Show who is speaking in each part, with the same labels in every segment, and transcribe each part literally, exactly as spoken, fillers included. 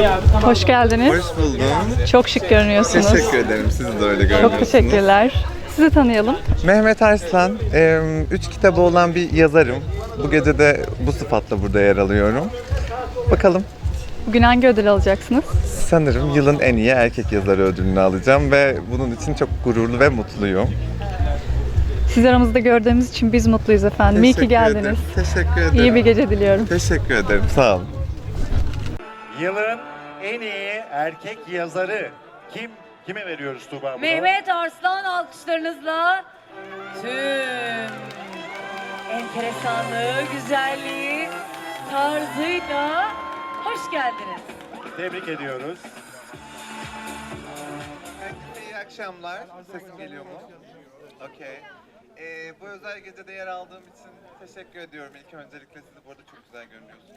Speaker 1: Hoş geldiniz.
Speaker 2: Hoş buldum.
Speaker 1: Çok şık görünüyorsunuz.
Speaker 2: Teşekkür ederim. Siz de öyle görünüyorsunuz.
Speaker 1: Çok teşekkürler. Sizi tanıyalım.
Speaker 2: Mehmet Arslan. e, Üç kitabı olan bir yazarım. Bu gece de bu sıfatla burada yer alıyorum. Bakalım.
Speaker 1: Bugün hangi ödül alacaksınız?
Speaker 2: Sanırım yılın en iyi erkek yazarı ödülünü alacağım ve bunun için çok gururlu ve mutluyum.
Speaker 1: Sizi aramızda gördüğümüz için biz mutluyuz efendim. İyi ki
Speaker 2: Teşekkür
Speaker 1: geldiniz.
Speaker 2: ederim. Teşekkür ederim.
Speaker 1: İyi bir gece diliyorum.
Speaker 2: Teşekkür ederim. Sağ olun.
Speaker 3: Yılın en iyi erkek yazarı kim? Kime veriyoruz Tuğba bunu?
Speaker 4: Mehmet Arslan alkışlarınızla tüm enteresanlığı, güzelliği, tarzıyla hoş geldiniz.
Speaker 3: Tebrik ediyoruz.
Speaker 2: Herkese iyi akşamlar. Sesim geliyor mu? Okey. Ee, bu özel gecede yer aldığım için teşekkür ediyorum. İlk öncelikle siz burada çok güzel görünüyorsunuz.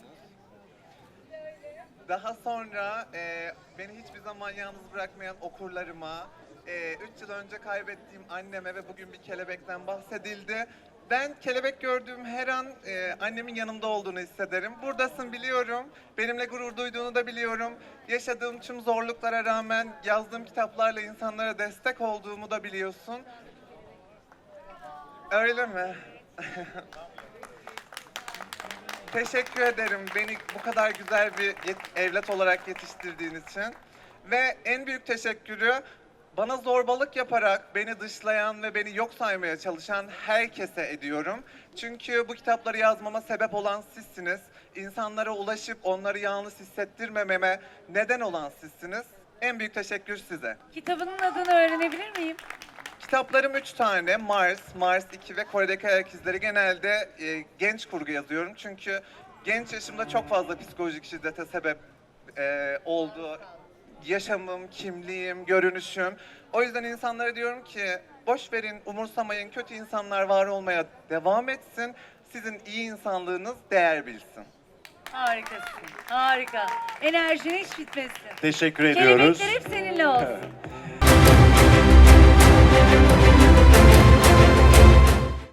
Speaker 2: Daha sonra e, beni hiçbir zaman yalnız bırakmayan okurlarıma, e, üç yıl önce kaybettiğim anneme ve bugün bir kelebekten bahsedildi. Ben kelebek gördüğüm her an e, annemin yanımda olduğunu hissederim. Buradasın biliyorum, benimle gurur duyduğunu da biliyorum. Yaşadığım tüm zorluklara rağmen yazdığım kitaplarla insanlara destek olduğumu da biliyorsun. Öyle mi? Teşekkür ederim beni bu kadar güzel bir yet- evlat olarak yetiştirdiğin için. Ve en büyük teşekkürü bana zorbalık yaparak beni dışlayan ve beni yok saymaya çalışan herkese ediyorum. Çünkü bu kitapları yazmama sebep olan sizsiniz. İnsanlara ulaşıp onları yalnız hissettirmememe neden olan sizsiniz. En büyük teşekkür size.
Speaker 4: Kitabının adını öğrenebilir miyim?
Speaker 2: Kitaplarım üç tane. Mars, Mars iki ve Kore'deki Ayak İzleri. Genelde e, genç kurgu yazıyorum. Çünkü genç yaşımda çok fazla psikolojik şiddete sebep e, oldu. Yaşamım, kimliğim, görünüşüm. O yüzden insanlara diyorum ki boş verin, umursamayın. Kötü insanlar var olmaya devam etsin. Sizin iyi insanlığınız değer bilsin.
Speaker 4: Harikasın, harika. Enerjin hiç bitmesin.
Speaker 3: Teşekkür ediyoruz.
Speaker 4: Kelebekler hep seninle olsun.